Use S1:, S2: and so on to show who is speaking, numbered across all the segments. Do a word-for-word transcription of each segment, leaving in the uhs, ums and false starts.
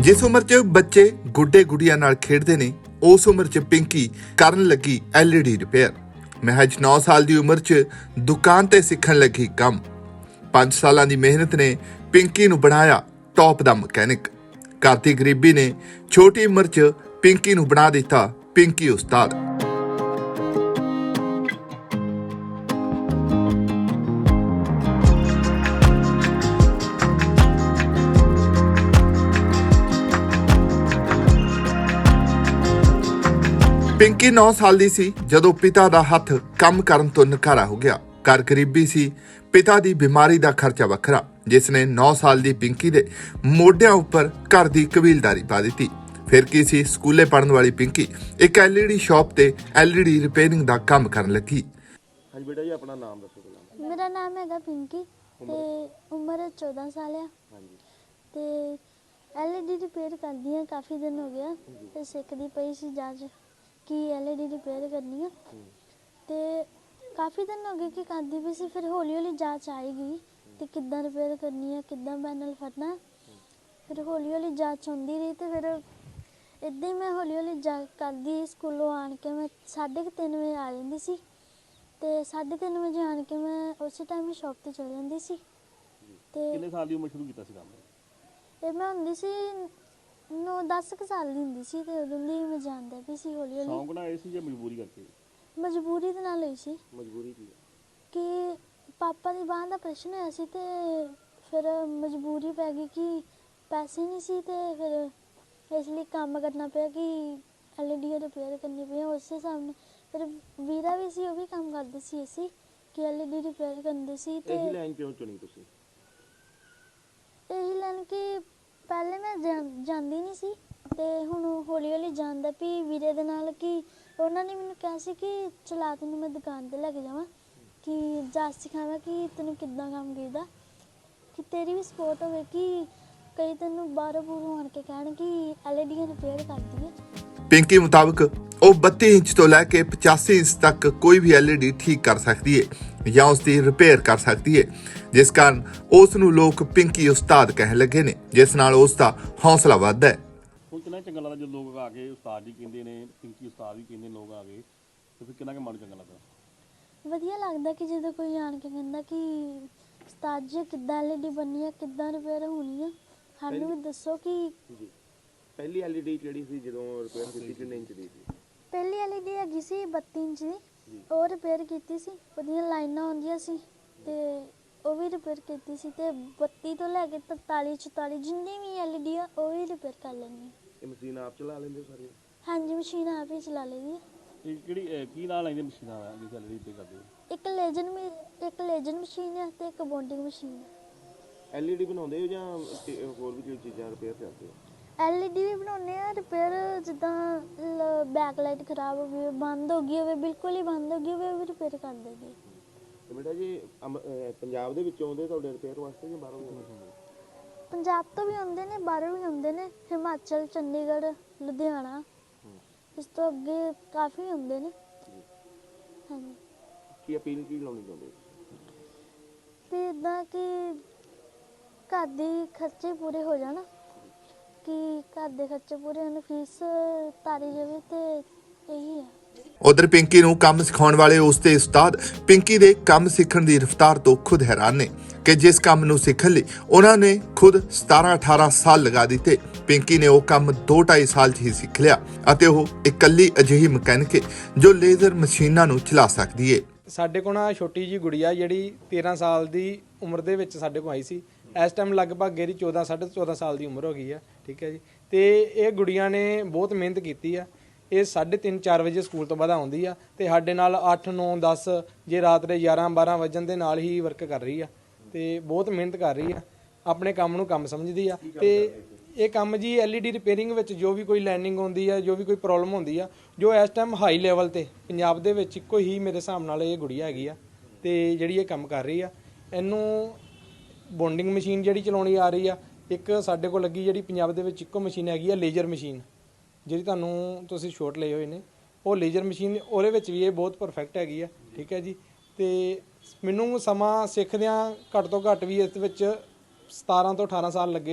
S1: जिस उम्र च बच्चे गुड्डे गुड़िया नाल खेडदे ने उस उम्र च पिंकी करन लगी एल ई डी रिपेयर। महज नौ साल की उम्र च दुकान ते सीखण लगी काम। पांच साल की मेहनत ने पिंकी नूं बनाया टॉप दा मकैनिक। घर दी गरीबी ने छोटी उम्र च पिंकी नूं बना दिता पिंकी उस्ताद। पिंकी नौ साल की सी जदों पिता का हथ काम करन तो नकारा हो गया। घर गरीबी सी, पिता की बीमारी का खर्चा वखरा, जिसने नौ साल की पिंकी दे मोढियां उपर घर की कबीलदारी पा दी। फिर की सी स्कूले पढ़न वाली पिंकी एक एल ई डी शॉप ते एल ई डी रिपेयरिंग का काम करन लगी।
S2: हाँ बेटा जी, अपना नाम दसो।
S3: मेरा नाम है पिंकी ते उम्र चौदह साल है। ते एल ई डी रिपेयर करदी है, काफ़ी दिन हो गया ते सिखदी पई सी जाच कि एल ई डी रिपेयर करनी है। ते काफ़ी दिन हो गए कि करदी भी सी, फिर हौली हौली जाच आएगी तो किद्दां रिपेयर करनी है, किद्दां पैनल फटना है। फिर हौली हौली जाच आउंदी रही तो फिर इदां ही मैं हौली हौली जा करदी। स्कूलों आन के मैं साढ़े तीन बजे आ जाती सी ते साढ़े तीन बजे आन के मैं उस टाइम ही शॉप ते चली जाती सी। ते
S2: कितने साल की उम्र शुरू कीता सी काम?
S3: ਇਹ ਮੈਂ ਹੁੰਦੀ ਸੀ नौ दस ਕੁ ਸਾਲ ਦੀ ਹੁੰਦੀ ਸੀ ਤੇ ਉਦੋਂ ਦੀ ਮੈਂ ਜਾਣਦਾ ਵੀ ਸੀ ਹੌਲੀ ਹੌਲੀ।
S2: ਸ਼ੌਂਕ ਨਾਲ ਆਏ ਸੀ ਜਾਂ ਮਜਬੂਰੀ ਕਰਕੇ?
S3: ਮਜਬੂਰੀ ਦੇ ਨਾਲ ਹੋਈ ਸੀ
S2: ਮਜਬੂਰੀ ਕੀ?
S3: ਕਿ ਪਾਪਾ ਦੀ ਬਾਂਹ ਦਾ ਪ੍ਰਸ਼ਨ ਹੋਇਆ ਸੀ ਤੇ ਫਿਰ ਮਜਬੂਰੀ ਪੈ ਗਈ ਕਿ ਪੈਸੇ ਨਹੀਂ ਸੀ ਤੇ ਫਿਰ ਇਸ ਲਈ ਕੰਮ ਕਰਨਾ ਪਿਆ ਕਿ ਐਲ ਈ ਡੀ ਰਿਪੇਅਰ ਕਰਨੀ ਪਈ। ਉਸੇ ਸਾਹਮਣੇ ਫਿਰ ਵੀਰਾ ਵੀ ਸੀ, ਉਹ ਵੀ ਕੰਮ ਕਰਦੇ ਸੀ ਅਸੀਂ ਕਿ ਐਲ ਈ ਡੀ ਰਿਪੇਅਰ ਕਰਦੇ ਸੀ। ਤੇ
S2: ਇਹੀ ਲਾਈਨ ਕਿਉਂ ਚੁਣੀ ਤੁਸੀਂ?
S3: ਇਹੀ ਲਾਈਨ ਕਿ ਪਹਿਲੇ ਮੈਂ ਜਾਂਦੀ ਨਹੀਂ ਸੀ ਤੇ ਹੁਣ ਹੌਲੀ ਹੌਲੀ ਜਾਣਦਾ ਵੀ ਵੀਰੇ ਦੇ ਨਾਲ ਕਿ ਉਹਨਾਂ ਨੇ ਮੈਨੂੰ ਕਿਹਾ ਸੀ ਕਿ ਚਲਾ ਤੈਨੂੰ ਮੈਂ ਦੁਕਾਨ ਤੇ ਲੈ ਕੇ ਜਾਵਾਂ ਕਿ ਜਾਚ ਸਿਖਾਵਾਂ ਕਿ ਤੈਨੂੰ ਕਿੱਦਾਂ ਕੰਮ ਕਰੀਦਾ, ਕਿ ਤੇਰੀ ਵੀ ਸਪੋਰਟ ਹੋਵੇ ਕਿ ਕਈ ਤੈਨੂੰ ਬਾਹਰੋਂ ਬੂਰੋਂ ਆਣ ਕੇ ਕਹਿਣ ਕਿ ਐਲ ਈ ਡੀ ਰਿਪੇਅਰ ਕਰਦੀ ਹੈ।
S1: पिंकी मुताबिक वो बत्ती इंच तो लैके पचासी इंच तक कोई भी एल ई डी ठीक कर सकती है या उसकी रिपेयर कर सकती है, जिस कारण उस नूं लोग पिंकी उस्ताद कहण लगे ने, जिस नाल उसका हौसला वधदा है।
S2: ਹੁਣ ਕਿੰਨਾ ਚੰਗਾ ਲੱਗਦਾ ਜਦੋਂ ਲੋਕ ਆ ਕੇ ਉਸਤਾਦ ਜੀ ਕਹਿੰਦੇ ਨੇ, ਪਿੰਕੀ ਉਸਤਾਦ ਵੀ ਕਹਿੰਦੇ ਲੋਕ ਆ ਗਏ ਤੇ ਫਿਰ ਕਿੰਨਾ ਕੁ ਮਨ ਚੰਗਾ ਲੱਗਦਾ?
S3: ਵਧੀਆ ਲੱਗਦਾ ਕਿ ਜਦੋਂ ਕੋਈ ਆਣ ਕੇ ਕਹਿੰਦਾ ਕਿ ਉਸਤਾਦ ਜੀ ਕਿੱਦਾਂ ਐਲ ਈ ਡੀ ਬਣਨੀ ਹੈ, ਕਿੱਦਾਂ ਰਿਪੇਅਰ ਹੋਣੀ ਹੈ, ਸਾਨੂੰ ਵੀ ਦੱਸੋ ਕਿ
S2: ਜੀ। ਪਹਿਲੀ ਐਲ ਈ ਡੀ ਜਿਹੜੀ ਸੀ ਜਦੋਂ ਰਿਪੇਅਰ ਕੀਤੀ ਕਿੰਨੇ ਇੰਚ ਦੀ ਸੀ?
S3: ਪਹਿਲੀ ਐਲ ਈ ਡੀ ਹੈਗੀ ਸੀ ਬੱਤੀ ਇੰਚ ਦੀ, ਉਹ ਰਿਪੇਅਰ ਕੀਤੀ ਸੀ। ਉਹਦੀਆਂ ਲਾਈਨਾਂ ਆਉਂਦੀਆਂ ਸੀ ਤੇ ਉਹ ਵੀ ਰਿਪੇਅਰ ਕੀਤੀ ਸੀ ਤੇ ਬੱਤੀ ਤੋਂ ਲੈ ਕੇ ਤਰਤਾਲੀ ਚੁਤਾਲੀ ਜਿੰਨੀ ਵੀ ਐਲ ਈ ਡੀ ਆ ਉਹ ਵੀ ਰਿਪੇਅਰ ਕਰ ਲੈਂਦੀ।
S2: ਇਹ ਮਸ਼ੀਨ ਆਪ ਚਲਾ ਲੈਂਦੇ ਹੋ ਸਾਰੀਆਂ?
S3: ਹਾਂਜੀ, ਮਸ਼ੀਨ ਆਪ ਹੀ ਚਲਾ ਲਈਦੀ ਹੈ।
S2: ਇਹ ਕਿਹੜੀ ਕੀ ਨਾਂ ਲੈਂਦੇ ਮਸ਼ੀਨਾਂ ਦਾ ਜਿਸ ਐਲ ਈ ਡੀ ਰਿਪੇਅਰ ਕਰਦੇ ਹੋ?
S3: ਇੱਕ ਲੇਜਨ ਇੱਕ ਲੇਜਨ ਮਸ਼ੀਨ ਹੈ ਤੇ ਇੱਕ ਬੌਂਡਿੰਗ ਮਸ਼ੀਨ ਹੈ।
S2: ਐਲ ਈ ਡੀ ਬਣਾਉਂਦੇ ਹੋ ਜਾਂ ਹੋਰ ਵੀ ਕੋਈ ਚੀਜ਼ਾਂ ਰਿਪੇਅਰ ਕਰਦੇ ਹੋ?
S3: ਐਲ ਈ ਡੀ ਵੀ ਬਣਾਉਂਦੇ ਆ ਰਿਪੇਅਰ, ਜਿੱਦਾਂ ਬੈਕ ਲਾਈਟ ਖਰਾਬ ਹੋ ਗਈ, ਬੰਦ ਹੋ ਗਈ ਹੋਵੇ, ਬਿਲਕੁਲ ਹੀ ਬੰਦ ਹੋ ਗਈ ਹੋਵੇ, ਉਹ ਵੀ ਰਿਪੇਅਰ ਕਰ ਦਿੰਦੀ।
S2: ਤੇ ਬੇਟਾ ਜੀ ਪੰਜਾਬ ਦੇ ਵਿੱਚੋਂ ਆਉਂਦੇ ਤੁਹਾਡੇ ਰਿਪੇਅਰ ਵਾਸਤੇ ਜਾਂ ਬਾਹਰੋਂ ਆਉਂਦੇ?
S3: ਪੰਜਾਬ ਤੋਂ ਵੀ ਆਉਂਦੇ ਨੇ, ਬਾਹਰੋਂ ਵੀ ਆਉਂਦੇ ਨੇ, ਹਿਮਾਚਲ, ਚੰਡੀਗੜ੍ਹ, ਲੁਧਿਆਣਾ, ਇਸ ਤੋਂ ਅੱਗੇ ਕਾਫੀ ਆਉਂਦੇ ਨੇ। ਹਾਂਜੀ,
S2: ਕੀ ਅਪੀਲ ਕੀ ਲਾਉਣੀ ਚਾਹੁੰਦੇ?
S3: ਵੀ ਇੱਦਾਂ ਕਿ ਘਰ ਦੇ ਖਰਚੇ ਪੂਰੇ ਹੋ ਜਾਣ, ਕਿ ਘਰ ਦੇ ਖਰਚੇ ਪੂਰੇ ਹੋਣ, ਫੀਸ ਤਾਰੀ ਜਾਵੇ ਤੇ ਇਹੀ ਹੈ।
S1: उधर पिंकी नूं काम सिखाउण वाले उसके उस्ताद पिंकी दे काम सीखण दी रफ्तार तो खुद हैरान ने कि जिस काम नूं सीखण लई उन्हां ने खुद सतारह अठारह साल लगा दिते, पिंकी ने वो काम दो ढाई साल च ही सीख लिया अते ਉਹ इकल्ली अजिही मकैनिक जो लेजर मशीनां नूं चला सकदी है।
S4: ਸਾਡੇ ਕੋਲ ਨਾ ਛੋਟੀ ਜੀ ਗੁੜੀਆ ਜਿਹੜੀ ਤੇਰਾਂ ਸਾਲ ਦੀ ਉਮਰ ਦੇ ਵਿੱਚ ਸਾਡੇ ਕੋਲ ਆਈ ਸੀ। ਇਸ ਟਾਈਮ ਲਗਭਗ ਇਹਦੀ ਚੌਦਾਂ ਸਾਢੇ ਚੌਦਾਂ ਸਾਲ ਦੀ ਉਮਰ ਹੋ ਗਈ ਆ। ਠੀਕ ਹੈ ਜੀ। ਤੇ ਇਹ ਗੁੜੀਆ ਨੇ ਬਹੁਤ ਮਿਹਨਤ ਕੀਤੀ ਆ। ਇਹ ਸਾਢੇ ਤਿੰਨ ਚਾਰ ਵਜੇ ਸਕੂਲ ਤੋਂ ਬਾਅਦ ਆਉਂਦੀ ਆ ਤੇ ਸਾਡੇ ਨਾਲ ਅੱਠ ਨੌ ਦਸ ਜੇ ਰਾਤ ਦੇ ਗਿਆਰਾਂ ਬਾਰਾਂ ਵਜਣ ਦੇ ਨਾਲ ਹੀ ਵਰਕ ਕਰ ਰਹੀ ਆ ਤੇ ਬਹੁਤ ਮਿਹਨਤ ਕਰ ਰਹੀ ਆ, ਆਪਣੇ ਕੰਮ ਨੂੰ ਕੰਮ ਸਮਝਦੀ ਆ। ਤੇ ਇਹ ਕੰਮ ਜੀ ਐਲ ਈ ਡੀ ਰਿਪੇਅਰਿੰਗ ਵਿੱਚ ਜੋ ਵੀ ਕੋਈ ਲਾਈਨਿੰਗ ਹੁੰਦੀ ਆ, ਜੋ ਵੀ ਕੋਈ ਪ੍ਰੋਬਲਮ ਹੁੰਦੀ ਆ, ਜੋ ਇਸ ਟਾਈਮ ਹਾਈ ਲੈਵਲ ਤੇ ਪੰਜਾਬ ਦੇ ਵਿੱਚ ਇੱਕੋ ਹੀ ਮੇਰੇ ਹਿਸਾਬ ਨਾਲ ਇਹ ਗੁੜੀਆ ਹੈਗੀ ਆ ਤੇ ਜਿਹੜੀ ਇਹ ਕੰਮ ਕਰ ਰਹੀ ਆ। ਇਹਨੂੰ ਬੌਂਡਿੰਗ ਮਸ਼ੀਨ ਜਿਹੜੀ ਚਲਾਉਣੀ ਆ ਰਹੀ ਆ, ਇੱਕ ਸਾਡੇ ਕੋਲ ਲੱਗੀ ਜਿਹੜੀ ਪੰਜਾਬ ਦੇ ਵਿੱਚ ਇੱਕੋ ਮਸ਼ੀਨ ਹੈਗੀ ਆ ਲੇਜ਼ਰ ਮਸ਼ੀਨ, ਜਿਹੜੀ ਤੁਹਾਨੂੰ ਤੁਸੀਂ ਸ਼ੋਟ ਲਏ ਹੋਏ ਨੇ, ਉਹ ਲੇਜ਼ਰ ਮਸ਼ੀਨ, ਉਹਦੇ ਵਿੱਚ ਵੀ ਇਹ ਬਹੁਤ ਪਰਫੈਕਟ ਹੈਗੀ ਆ। ਠੀਕ ਹੈ ਜੀ। ਤੇ ਮੈਨੂੰ ਸਮਾਂ ਸਿੱਖਦਿਆਂ ਘੱਟ ਤੋਂ ਘੱਟ ਵੀ ਇਸ ਵਿੱਚ ਸਤਾਰਾਂ ਤੋਂ ਅਠਾਰਾਂ ਸਾਲ ਲੱਗੇ ਸੀ।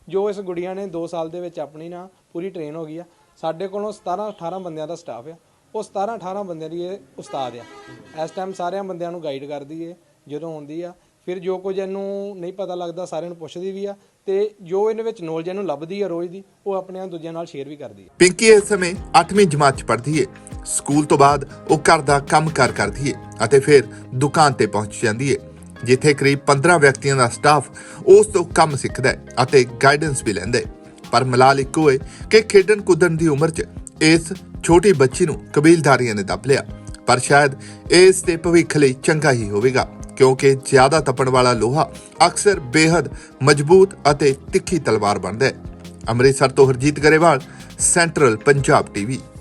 S4: ਜੋ ਇਸ ਗੁੜੀਆ ਨੇ ਦੋ ਸਾਲ ਦੇ ਵਿੱਚ ਆਪਣੀ ਨਾ ਪੂਰੀ ਟ੍ਰੇਨ ਹੋ ਗਈ ਆ। ਸਾਡੇ ਕੋਲੋਂ ਸਤਾਰਾਂ ਅਠਾਰਾਂ ਬੰਦਿਆਂ ਦਾ ਸਟਾਫ ਆ, ਉਹ ਸਤਾਰਾਂ ਅਠਾਰਾਂ ਬੰਦਿਆਂ ਦੀ ਇਹ ਉਸਤਾਦ ਆ। ਇਸ ਟਾਈਮ ਸਾਰਿਆਂ ਬੰਦਿਆਂ ਨੂੰ ਗਾਈਡ ਕਰਦੀ ਏ ਜਦੋਂ ਆਉਂਦੀ ਆ। ਫਿਰ ਜੋ ਕੁਝ ਇਹਨੂੰ ਨਹੀਂ ਪਤਾ ਲੱਗਦਾ ਸਾਰਿਆਂ ਨੂੰ ਪੁੱਛਦੀ ਵੀ ਆ, ਤੇ ਜੋ ਇਹਦੇ ਵਿੱਚ ਨੌਲੇਜ ਇਹਨੂੰ ਲੱਭਦੀ ਆ ਰੋਜ਼ ਦੀ, ਉਹ ਆਪਣੇ ਦੂਜਿਆਂ ਨਾਲ ਸ਼ੇਅਰ ਵੀ ਕਰਦੀ ਆ।
S1: ਪਿੰਕੀ ਇਸ ਸਮੇਂ ਅੱਠਵੀਂ ਜਮਾਤ 'ਚ ਪੜ੍ਹਦੀ ਏ। ਸਕੂਲ ਤੋਂ ਬਾਅਦ ਉਹ ਘਰ ਦਾ ਕੰਮ-ਕਾਰ ਕਰਦੀ ਏ ਅਤੇ ਫਿਰ ਦੁਕਾਨ ਤੇ ਪਹੁੰਚ ਜਾਂਦੀ ਏ, ਜਿੱਥੇ ਕਰੀਬ ਪੰਦਰਾਂ ਵਿਅਕਤੀਆਂ ਦਾ ਸਟਾਫ ਉਸ ਤੋਂ ਕੰਮ ਸਿੱਖਦਾ ਹੈ ਅਤੇ ਗਾਈਡੈਂਸ ਵੀ ਲੈਂਦਾ ਹੈ। ਪਰ ਮਲਾਲ ਇੱਕੋ ਹੈ ਕਿ ਖੇਡਣ ਕੁੱਦਣ ਦੀ ਉਮਰ 'ਚ ਇਸ ਛੋਟੀ ਬੱਚੀ ਨੂੰ ਕਬੀਲਦਾਰੀਆਂ ਨੇ ਦੱਬ ਲਿਆ। ਪਰ ਸ਼ਾਇਦ ਇਸ ਦੇ ਭਵਿੱਖ ਲਈ ਚੰਗਾ ਹੀ ਹੋਵੇਗਾ, ਕਿਉਂਕਿ ਜ਼ਿਆਦਾ ਤਪਣ ਵਾਲਾ ਲੋਹਾ ਅਕਸਰ ਬੇਹੱਦ ਮਜ਼ਬੂਤ ਅਤੇ ਤਿੱਖੀ ਤਲਵਾਰ ਬਣਦਾ ਹੈ। ਅੰਮ੍ਰਿਤਸਰ ਤੋਂ ਹਰਜੀਤ ਗਰੇਵਾਲ, ਸੈਂਟਰਲ ਪੰਜਾਬ ਟੀਵੀ।